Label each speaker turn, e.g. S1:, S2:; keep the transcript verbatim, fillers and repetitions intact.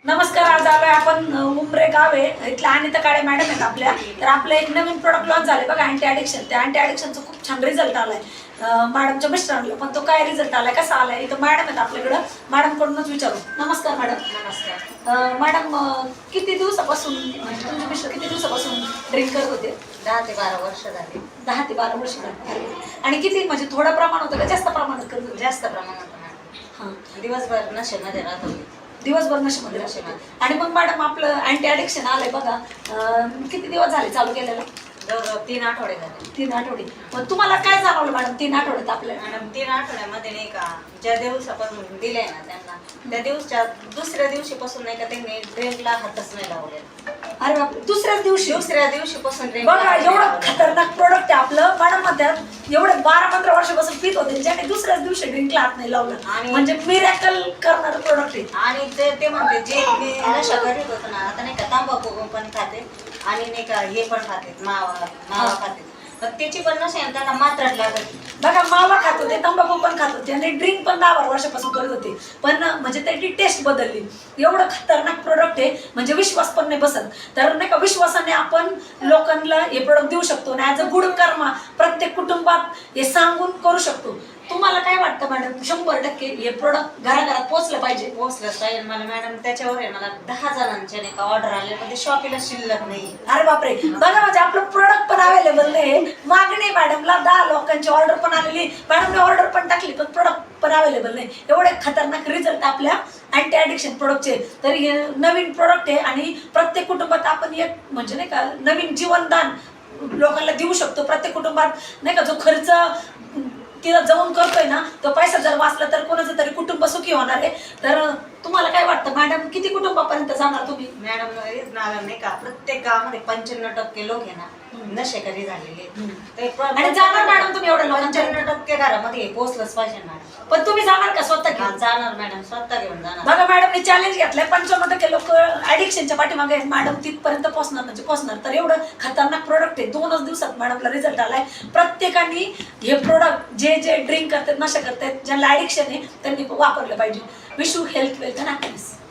S1: नमस्कार. आज आलोय आपण उमरे गाव आहे इथल्या अनिता काळे मॅडम आहेत आपल्या. तर आपलं एक नवीन प्रोडक्ट लॉन्च झाले बघा, अँटी ॲडिक्शन. त्या अँटी ॲडिक्शनचा खूप छान रिझल्ट आलाय मॅडमच्या मिस्टरांना. पण तो काय रिझल्ट आलाय, कसा आलाय, इथं मॅडम आहेत आपल्याकडं. मॅडमकडूनच विचारू. नमस्कार मॅडम.
S2: नमस्कार
S1: मॅडम, किती दिवसापासून म्हणजे तुमचे मिस्टर किती दिवसापासून ड्रिंक करत होते?
S2: दहा ते बारा वर्ष झाली.
S1: दहा ते बारा वर्ष झाली. आणि किती म्हणजे थोडं प्रमाण होतं का जास्त प्रमाणात करत होते?
S2: जास्त प्रमाणात
S1: हां,
S2: दिवसभर नशेमध्ये राहत होती.
S1: दिवसभर नशेमध्ये
S2: नशेमध्ये.
S1: आणि मग मॅडम आपलं अँटी ॲडिक्शन आलंय बघा, अं, किती दिवस झाले चालू केलेलं?
S2: जवळ तीन आठवडे झाले.
S1: तीन आठवडे. मग तुम्हाला काय जाणवलं मॅडम तीन आठवड्यात आपल्याला?
S2: मॅडम तीन आठवड्यामध्ये नाही का, ज्या दिवसापासून दिले ना त्यांना, त्या दिवसच्या दुसऱ्या दिवशीपासून नाही का त्यांनी ड्रिंकला हातच नाही लावले.
S1: अरे बापरे, दुसऱ्याच दिवशी?
S2: दुसऱ्या दिवशीपासून drink
S1: बघा,
S2: ला
S1: एवढं खतरनाक प्रोडक्ट आहे आपलं. मॅडम म्हणतात एवढे बारा पंधरा वर्षापासून पित होते, ज्याने दुसऱ्याच दिवशी ड्रिंकला हात नाही लावलं.
S2: आणि-
S1: म्हणजे मिरॅकल करणारं प्रोडक्ट आहे.
S2: आणि ते ते म्हणते जे मी नशा करीत होतो ना, आता नाही का तंबाखू पण खाते आणि नाही का हे पण खाते, मावा मावा खाते. पण त्याची पण नशा आहे, त्यांना मात्रात लागत.
S1: बघा, मावा खात होते, तंबाखू पण खात होते आणि ड्रिंक पण दहा बारा वर्षापासून करत होते. पण म्हणजे त्याची टेस्ट बदलली. एवढं खतरनाक प्रोडक्ट आहे, म्हणजे विश्वास पण नाही बसत. तर नाही का, विश्वासाने आपण लोकांना हे प्रोडक्ट देऊ शकतो आणि ॲज अ गुड कर्मा प्रत्येक कुटुंबात हे सांगून करू शकतो. तुम्हाला काय वाटतं मॅडम, शंभर टक्के हे प्रोडक्ट घराघरात पोहोचलं पाहिजे?
S2: पोहोचलंच पाहिजे. मला मॅडम त्याच्यावर आहे, मला दहा जणांच्या नाही का ऑर्डर आले, पण ते शॉपीला शिल्लक नाही.
S1: अरे बापरे, बघा म्हणजे आपलं प्रोडक्ट पण अवेलेबल नाही, मागणी मॅडमला दहा लोकांची ऑर्डर पण आलेली, मॅडमने ऑर्डर पण टाकली, पण प्रोडक्ट पण अवेलेबल नाही. एवढे खतरनाक रिझल्ट आपल्या अँटी ॲडिक्शन प्रोडक्टचे. तर हे नवीन प्रोडक्ट आहे आणि प्रत्येक कुटुंबात आपण एक म्हणजे नाही का नवीन जीवनदान लोकांना देऊ शकतो. प्रत्येक कुटुंबात नाही का जो खर्च तिला जाऊन करतोय ना, तो पैसा जर वाचला तर कोणाचं तरी कुटुंब सुखी होणार आहे. तर तुम्हाला काय वाटतं मॅडम, किती कुटुंबापर्यंत जाणार तुम्ही?
S2: मॅडम नाही का, प्रत्येक गावामध्ये पंच्याण्णव टक्के लोक आहे ना नशेकरी झालेले.
S1: आणि जाणार मॅडम तुम्ही एवढ्या लोकांच्या?
S2: पंच्याण्णव टक्के घरामध्ये हे पोहोचलंच पाहिजे मॅडम.
S1: पण तुम्ही जाणार का स्वतः घेऊन?
S2: हा, जाणार मॅडम, स्वतः घेऊन जाणार.
S1: बघा, मॅडमने चॅलेंज घेतलंय, पंचावन्न टक्के लोक ऍडिक्शनच्या पाठीमागे आहेत. मॅडम तिथपर्यंत पोहोचणार म्हणजे पोहोचणार. तर एवढं खतरनाक प्रोडक्ट आहे. दोनच दिवसात मॅडमला रिझल्ट आलाय. प्रत्येकाने हे प्रोडक्ट जे जे ड्रिंक करतात, नशा करतात, ज्यांना ऍडिक्शन आहे, त्यांनी वापरलं पाहिजे. Wish you health, wealth and happiness.